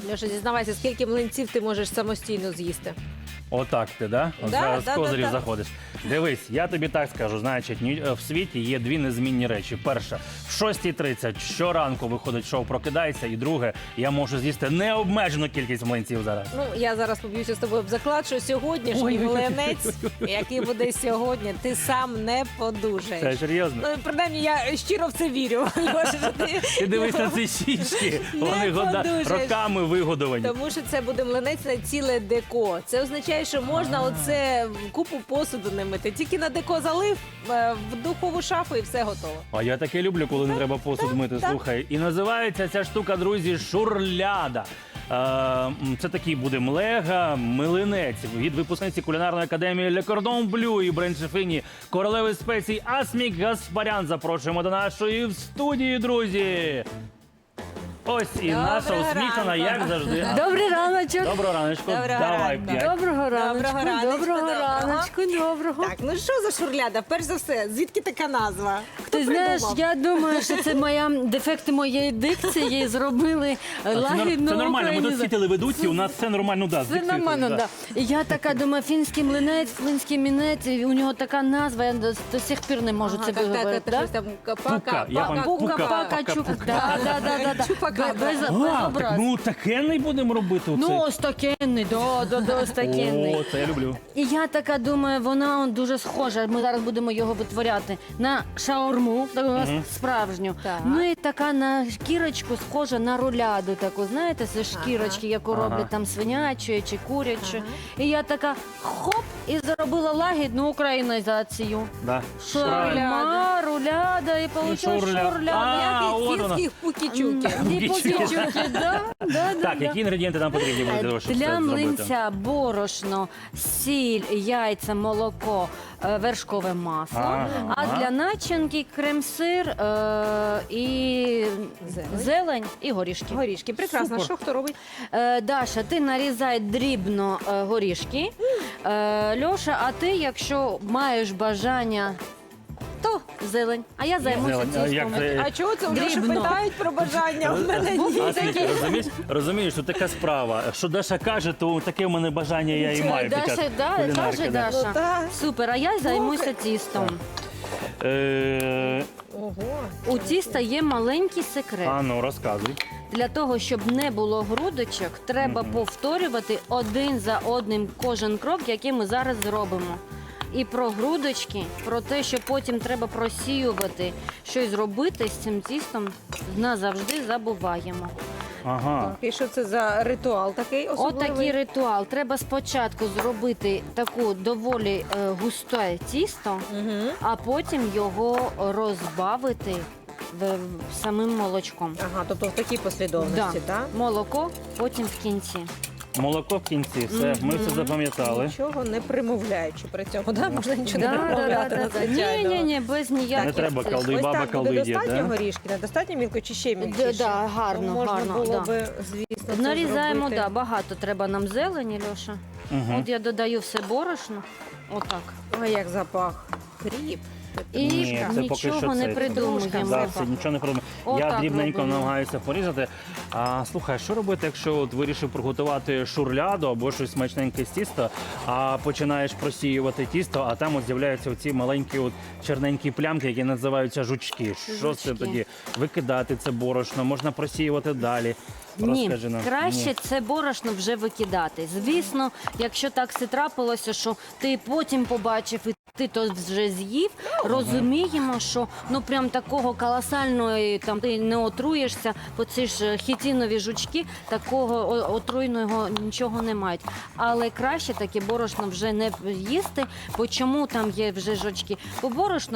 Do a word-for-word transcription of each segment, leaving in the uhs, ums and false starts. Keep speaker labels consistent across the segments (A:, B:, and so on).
A: Льоша, зізнавайся, скільки млинців ти можеш самостійно з'їсти?
B: Отак ти, да? От
A: Да,
B: зараз
A: да,
B: з козирів
A: да, да.
B: заходиш. Дивись, я тобі так скажу, значить, ні- в світі є дві незмінні речі. Перша, в шостій тридцять щоранку виходить шоу «Прокидайся», і друге, я можу з'їсти необмежену кількість млинців зараз.
A: Ну, я зараз поб'юся з тобою об заклад, що сьогоднішній
B: Ой.
A: млинець, який буде сьогодні, ти сам не
B: Це
A: подужаєш.
B: серйозно?
A: Ну, принаймні, я щиро в це вірю. Льоша, що ти...
B: Ти дивись на ці щічки,
A: Не
B: вони года...
A: подужаєш.
B: роками вигодовані.
A: Тому що це буде млинець на ціле деко. Це означає, що можна оце купу посуду не мити. Тільки на деко залив, е, в духову шафу і все готово.
B: А я таке люблю, коли не треба посуд мити,
A: так.
B: слухай. І називається ця штука, друзі, шурляда. Е, м, Це такий буде млега, млинець від випускниці кулінарної академії Le Cordon Bleu і бренд-шефині королеви спецій Асмік Гаспарян. Запрошуємо до нашої студії, друзі. Ось і
A: Доброго
B: наша усміхнена,
A: ранку.
B: як завжди.
C: Добрий раночок.
B: Доброго раночку,
A: Доброго
B: давай
A: ранку.
B: п'ять.
C: Доброго раночку.
A: раночку,
C: Доброго
A: доброго.
C: раночку. Доброго.
A: Так, ну що за шурляда? Перш за все, звідки така назва? Хто
C: Ти знаєш,
A: придумав?
C: я думаю, що це моя дефекти моєї дикції зробили
B: А Це, нор-
C: лагідну
B: це нормально, ми тут
C: українізацію.
B: всі телеведучі, у нас все нормально, да, з
C: Це
B: дикцією,
C: нормально,
B: да.
C: да. І я така думаю, фінський млинець, фінський мінець, і у нього така назва, я до, до сих пір не можу
A: Ага,
C: це
A: так, так,
C: виговорити.
A: так,
C: да?
A: щось там
B: Пука,
A: пака,
B: я
A: пака,
B: вам
C: Пука,
B: пука,
C: пака,
B: пака,
C: чука.
B: пука.
C: Да, да, да, да, да.
A: Чупакабра.
C: Без, без
B: А, так,
C: образ.
B: ну такенний будемо робити оце.
C: Ну, ось такенний, да, да, да, ось такенний.
B: О, це я люблю.
C: І я така думаю, вона он дуже схожа. Ми зараз будемо його витворяти на шаурму, таку у нас справжню.
A: Так.
C: Ну і така на шкірочку схожа на руляду, таку, знаєте, це шкірочки, яку
B: Ага.
C: роблять там свинячою чи курячою. І я така хоп, і зробила лагідну українізацію.
B: Да.
C: Шаурма, руляда, і вийшла
B: шурля.
C: шурляда.
B: А,
A: Як
B: от
A: і
B: вона.
A: фінських пукі-чуки.
C: І пукічуки, да, да, да,
B: Так,
C: да.
B: які інгредієнти нам потрібні будуть для того, щоб
C: Для
B: це зробити?
C: млинця борошно, сіль, яйця, молоко, е, вершкове масло.
B: Ага.
C: А для начинки крем-сир е, і
A: Зелень.
C: зелень і горішки.
A: Горішки, прекрасно.
B: Супер.
A: Що хто робить?
C: Е, Даша, ти нарізай дрібно е, горішки. Е, Льоша, а ти, якщо маєш бажання, то зелень. А я займуся
B: Зелень. А як
C: тістом.
B: це?
A: А чого це вже
C: Дрібно.
A: питають про бажання? У мене ні.
B: Асмік, розумієш, розумієш, що така справа. Що Даша каже, то таке в мене бажання я і маю. під час
C: Даша, да,
B: кулінарки,
C: каже
B: да.
C: Даша.
A: Ну, так.
C: Супер, а я займуся тістом.
B: Е,
A: Ого.
C: У тіста є маленький секрет.
B: А ну, розказуй.
C: Для того, щоб не було грудочок, треба повторювати один за одним кожен крок, який ми зараз зробимо. І про грудочки, про те, що потім треба просіювати, щось зробити з цим тістом, назавжди забуваємо.
B: Ага.
A: І що це за ритуал такий
C: От
A: особливий?
C: такий ритуал. Треба спочатку зробити таку доволі е, густе тісто,
A: Мгм.
C: а потім його розбавити в, в- самим молочком.
A: Ага, тобто в такій послідовності,
C: Да.
A: так?
C: Молоко потім в кінці.
B: Молоко в кінці, все, ми все запам'ятали.
A: Нічого не примовляючи при цьому, да? Можна нічого
C: Да,
A: не
C: да,
A: примовляти
C: да, да, да. Ні,
A: надзвичайного.
C: ні, ні, без ніяких.
B: Не треба
C: цих.
B: колди.
A: Ось
B: баба
A: так буде
B: колдує,
A: достатньо
B: да?
A: горішки, недостатньо мілко чи ще мілкіше?
C: Д- да, гарно,
A: То можна
C: гарно,
A: було
C: да.
A: би, звісно, це
C: Нарізаємо,
A: зробити.
C: да, багато треба нам зелені, Льоша.
B: Мгм.
C: От я додаю все борошно. Отак.
A: Ой, як запах. Хріп.
C: І
B: Ні, це поки що
C: нічого не
B: це.
C: придумуємо.
B: Да, це нічого не придумав. Я
C: Отак
B: дрібненько
C: робимо.
B: намагаюся порізати. А слухай, що робити, якщо от вирішив приготувати шурляду або щось смачненьке з тіста, а починаєш просіювати тісто, а там от з'являються оці маленькі от черненькі плямки, які називаються жучки. Що це
C: Жучки.
B: тоді? Викидати це борошно, можна просіювати далі.
C: Ні,
B: Розкажи нам.
C: краще
B: Ні.
C: це борошно вже викидати. Звісно, якщо так все трапилося, що ти потім побачив і ти то вже з'їв, розуміємо, що ну прям такого колосального там ти не отруєшся, бо ці ж хітинові жучки такого о- отруйного нічого не мають. Але краще таке борошно вже не їсти, бо чому там є вже жучки? Бо борошно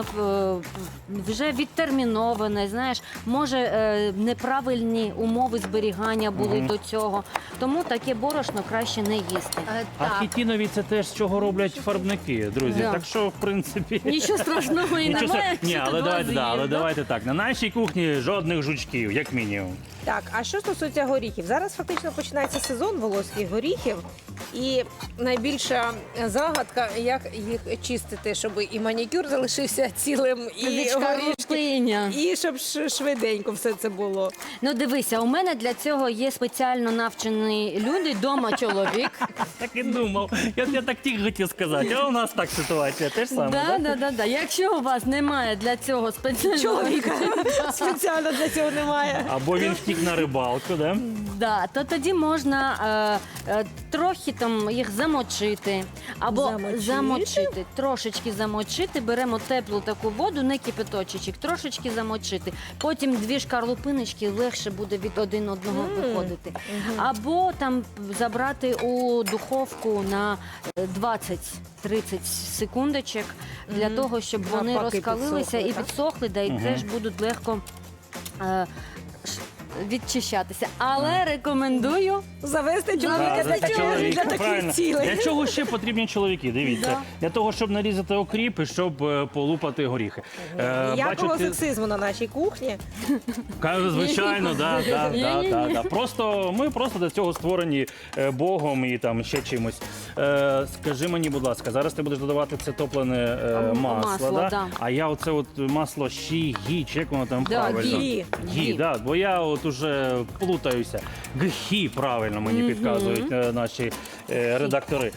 C: е, вже відтерміноване, знаєш, може е, неправильні умови зберігання були
B: Мгм.
C: до цього. Тому таке борошно краще не їсти.
B: А хітінові це теж з чого роблять фарбники, друзі.
C: Да.
B: Так що, в принципі,
C: Нічого страшного і
B: нічого
C: немає.
B: стра- Ні,
C: якщо
B: але
C: ти
B: давайте,
C: два
B: да, але
C: з'їв, да?
B: давайте так. На нашій кухні жодних жучків, як мінімум.
A: Так, а що стосується горіхів? Зараз фактично починається сезон волоських горіхів. І найбільша загадка, як їх чистити, щоб і манікюр залишився цілим, і
C: Вічка
A: горішки,
C: рупиня.
A: і щоб ш- швиденько все це було.
C: Ну дивися, у мене для цього цього є спеціально навчені люди, дома чоловік.
B: Так і думав. Я, я так тільки хотів сказати, а у нас так ситуація, теж саме,
C: Да,
B: так?
C: да, да, да. Якщо у вас немає для цього спеціального
A: Чоловіка спеціально для цього немає.
B: Або він втік на рибалку, да?
C: Да, то тоді можна е, е, трохи там їх замочити. Або
A: Замочити?
C: замочити, трошечки замочити, беремо теплу таку воду, не кипяточечок, трошечки замочити. Потім дві шкарлупиночки легше буде від один одного виходити. Або там забрати у духовку на двадцять-тридцять секундочок для того, щоб
A: А
C: вони
A: поки
C: розкалилися
A: підсохли,
C: і
A: так?
C: підсохли, да, і теж будуть легко е, ш- відчищатися. Але рекомендую
A: Завести
B: Да,
A: чоловіка
B: за
A: для, цього,
B: чоловіка,
A: для
B: правильно.
A: таких цілей.
B: Для чого ще потрібні чоловіки? Дивіться.
C: Да.
B: Для того, щоб нарізати окріп і щоб е, полупати горіхи. Е,
A: Ніякого
B: бачите,
A: сексизму на нашій кухні.
B: Кажу, звичайно, да, да, да,
C: Ні-ні-ні.
B: да, да. Просто ми просто до цього створені е, Богом і там ще чимось. Е, скажи мені, будь ласка, зараз ти будеш додавати це топлене е,
C: М,
B: масло,
C: масло,
B: да?
C: да.
B: А я оце от масло щі, гі, чи як воно там
C: Да,
B: правильно?
A: гі.
B: Гі,
C: Гі.
B: да, бо я от уже плутаюся. Гхі, правильно мені
C: Мгм.
B: підказують е, наші е, редактори.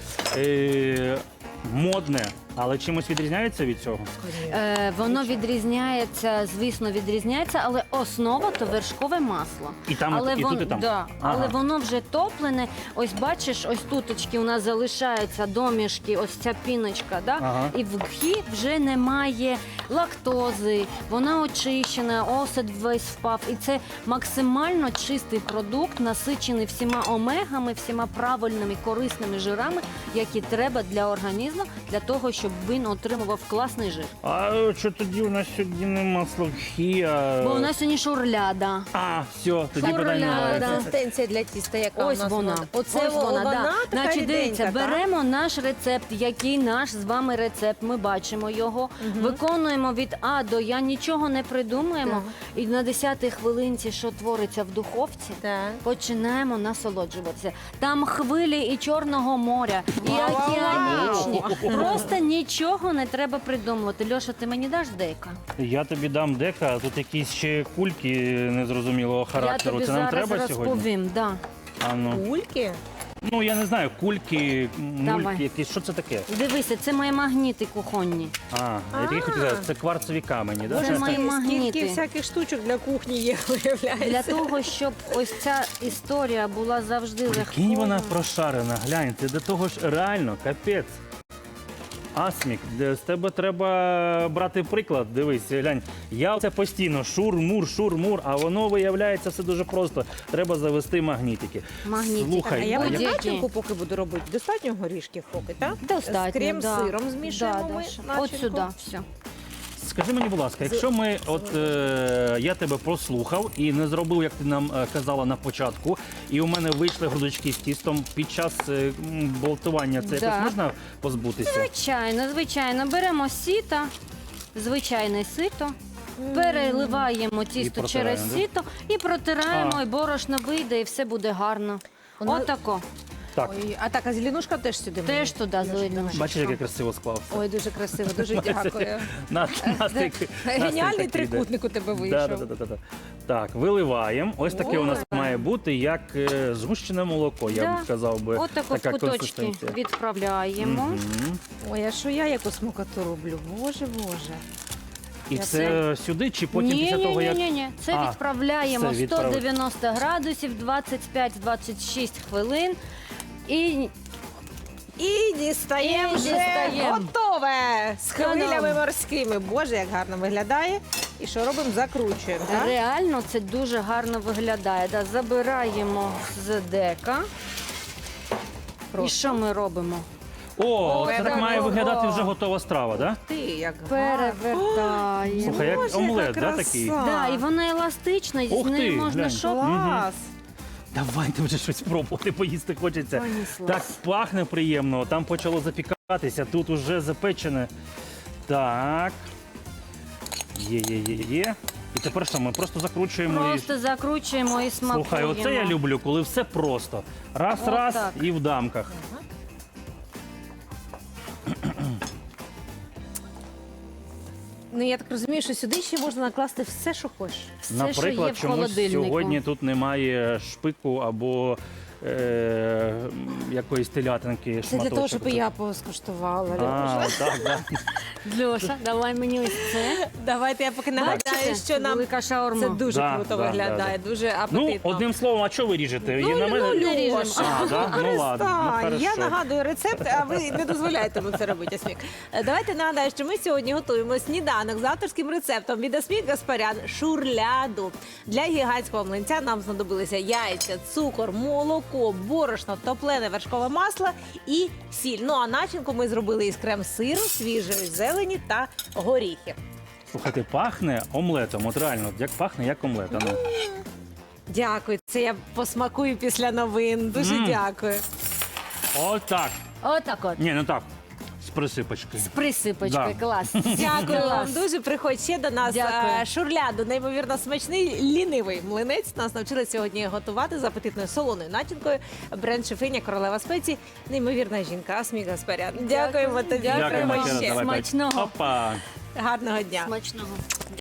B: Е, модне, але чимось відрізняється від цього?
C: Е, воно відрізняється, звісно, відрізняється, але основа то вершкове масло.
B: І там,
C: але
B: і
C: вон-
B: тут, і там?
C: Да,
B: Ага.
C: але воно вже топлене. Ось бачиш, ось туточки у нас залишаються домішки, ось ця піночка, да?
B: Ага.
C: І в гхі вже немає лактози, вона очищена, осад весь впав. І це максимально чистий продукт, насичений всіма омегами, всіма правильними корисними жирами, які треба для організму, для того, щоб він отримував класний жир.
B: А що тоді у нас сьогодні не масло гхі, а...
C: Бо у нас сьогодні шурляда.
B: А, все, тоді
C: Шурляда.
B: питань немає.
C: Да.
A: Консистенція для тіста, яка
C: Ось
A: у нас
C: вона.
A: Оце
C: Ось вона, да.
A: така
C: Значить, дивіться,
A: ріденька, так?
C: беремо наш рецепт, який наш з вами рецепт. Ми бачимо його, виконуємо від А до Я, нічого не придумуємо. І на десятій хвилинці, що твориться в духовці,
A: Так.
C: починаємо насолоджуватися. Там хвилі і Чорного моря, і
A: Вау!
C: океанічні. Просто нічого не треба придумувати. Льоша, ти мені даш дека?
B: Я тобі дам дека, а тут якісь ще кульки незрозумілого
C: Я
B: характеру.
C: тобі
B: Це нам
C: зараз
B: треба сьогодні?
C: розповім. Да.
B: А ну.
A: Кульки?
B: ну, я не знаю, кульки,
C: Давай.
B: мульки якісь. Що це таке?
C: Дивися, це мої магніти кухонні.
B: А, я тільки хотів сказати, це кварцеві камені, да?
C: Це
B: Щось
C: мої
B: таке?
C: магніти.
A: Скільки всяких штучок для кухні є, виявляється.
C: Для того, щоб ось ця історія була завжди легкою.
B: Прикинь, вона прошарена, глянь, ти до того ж реально, капець. Асмік, де- з тебе треба брати приклад. Дивись, глянь, я це постійно шур-мур, шур-мур, а воно виявляється все дуже просто. Треба завести магнітики.
C: Магнітики.
A: А
B: Слухай,
A: я
B: а
A: на
C: будь-які.
A: начинку поки буду робити. Достатньо горішків поки, так?
C: Достатньо,
A: З крем-сиром
C: да.
A: змішуємо
C: Да,
A: ми
C: Даша.
A: начинку.
C: От сюди, все.
B: Скажи мені, будь ласка, якщо ми, от е, я тебе послухав і не зробив, як ти нам е, казала на початку, і у мене вийшли грудочки з тістом під час е, м, болтування, це
C: Да.
B: якось можна позбутися?
C: Звичайно, звичайно. Беремо сіто, звичайне сито, переливаємо тісто
B: протираємо,
C: через
B: да?
C: сіто і протираємо,
B: А.
C: і борошно вийде, і все буде гарно.
A: Воно-
C: Отако.
B: Так,
A: Ой, а так, а зеленушка теж сюди.
C: Теж
A: мені?
C: туди зеленушка.
B: бачиш, як я красиво склав.
A: Ой, дуже красиво, дуже дякую.
B: На, настрій,
A: Геніальний
B: настрій такий,
A: трикутник у тебе
B: да.
A: вийшов.
B: Да, да, да, да, да. Так, виливаємо. Ось таке у нас
A: Ой.
B: має бути, як е, згущене молоко, я
C: Да.
B: б сказав би.
C: Отако в
B: така
C: куточки
B: консистенція.
C: відправляємо.
B: Мгм.
A: Ой, а що я яку смакоту роблю? Боже, боже.
B: І
A: Я
B: це сюди чи потім
C: ні,
B: після
C: ні,
B: того,
C: ні,
B: як...
C: ні, ні. Це
B: А,
C: відправляємо
B: все, відправ-
C: сто дев'яносто градусів, двадцять п'ять - двадцять шість хвилин. І
A: І дістаємо
C: І
A: вже
C: дістаємо.
A: готове з хвилями
C: Та-дам.
A: морськими. Боже, як гарно виглядає. І що робимо? Закручуємо. Так?
C: реально це дуже гарно виглядає. Да, забираємо з дека. І
A: Просто.
C: що ми робимо?
B: О, це так
A: Ого.
B: має виглядати вже готова страва, так? Да?
A: Ти як гарно.
C: Перевертаємо.
B: Слухай, як
A: Боже,
B: омлет,
A: яка
B: да,
A: краса.
B: такий?
C: Да, і вона еластична, з
B: Ух
C: нею
B: ти,
C: можна
B: глянь.
C: що?
A: Клас.
B: Давайте вже щось пробувати, поїсти хочеться.
C: Понеслась.
B: Так пахне приємно, там почало запікатися, тут уже запечене. Так. Є, є, є, є. І тепер що, ми просто закручуємо
C: Просто закручуємо і
B: і...
C: смакуємо.
B: Слухай, оце я люблю, коли все просто. Раз,
C: Отак.
B: раз і в дамках.
A: Ну я так розумію, що сюди ще можна накласти все, що хочеш.
C: Все, що є
B: Наприклад,
C: в
B: чомусь
C: холодильнику.
B: сьогодні тут немає шпику або е, якоїсь телятинки.
A: Це для того, щоб і
B: шматочок.
A: я поскуштувала.
B: А,
A: Льоша.
B: так, так.
C: Льоша, давай мені ось це.
A: Давайте я поки нагадаю,
C: Бачите?
A: що нам
C: Велика шаурма.
A: це дуже
B: Да,
A: круто
B: да,
A: виглядає,
B: да,
A: дуже
B: Ну,
A: апетитно.
B: одним словом, а що ви ріжете?
A: Ну,
B: І на мене...
A: ну,
C: ріжемо.
A: Льоша,
B: А, да? Ну, ладно, ну,
A: перестань. Я
B: хорошо.
A: нагадую рецепт, а ви не дозволяєте йому це робити, Асмік. Е, Давайте нагадаю, що ми сьогодні готуємо сніданок з авторським рецептом від Асмік Гаспарян шурляду. Для гігантського млинця нам знадобилися яйця, цукор, молоко, борошно, топлене вершкове масло і сіль. Ну а начинку ми зробили із крем-сиру, свіжої зелені та горіхів.
B: Слухайте, пахне омлетом. От реально, як пахне, як омлет. а ну.
A: Дякую, це я посмакую після новин. Дуже
B: Мм.
A: дякую.
B: Отак.
C: Отак от.
B: Ні, не так. З присипочкою.
C: З присипочкою.
B: Да.
C: Клас.
A: Дякую вам
C: Клас.
A: дуже. Приходь ще до нас.
C: Дякую.
A: Е, Шурляду, неймовірно смачний лінивий млинець. Нас навчили сьогодні готувати з апетитною солоною начинкою. Бренд шефиня королева спецій. Неймовірна жінка Асмік Гаспарян. Дdякуємо тобі.
C: Дякую
B: Дякуємо
C: вам.
B: ще раз.
A: Ще.
B: Давай, давай.
C: Смачного.
B: Опа.
A: Гарного дня.
C: Смачного.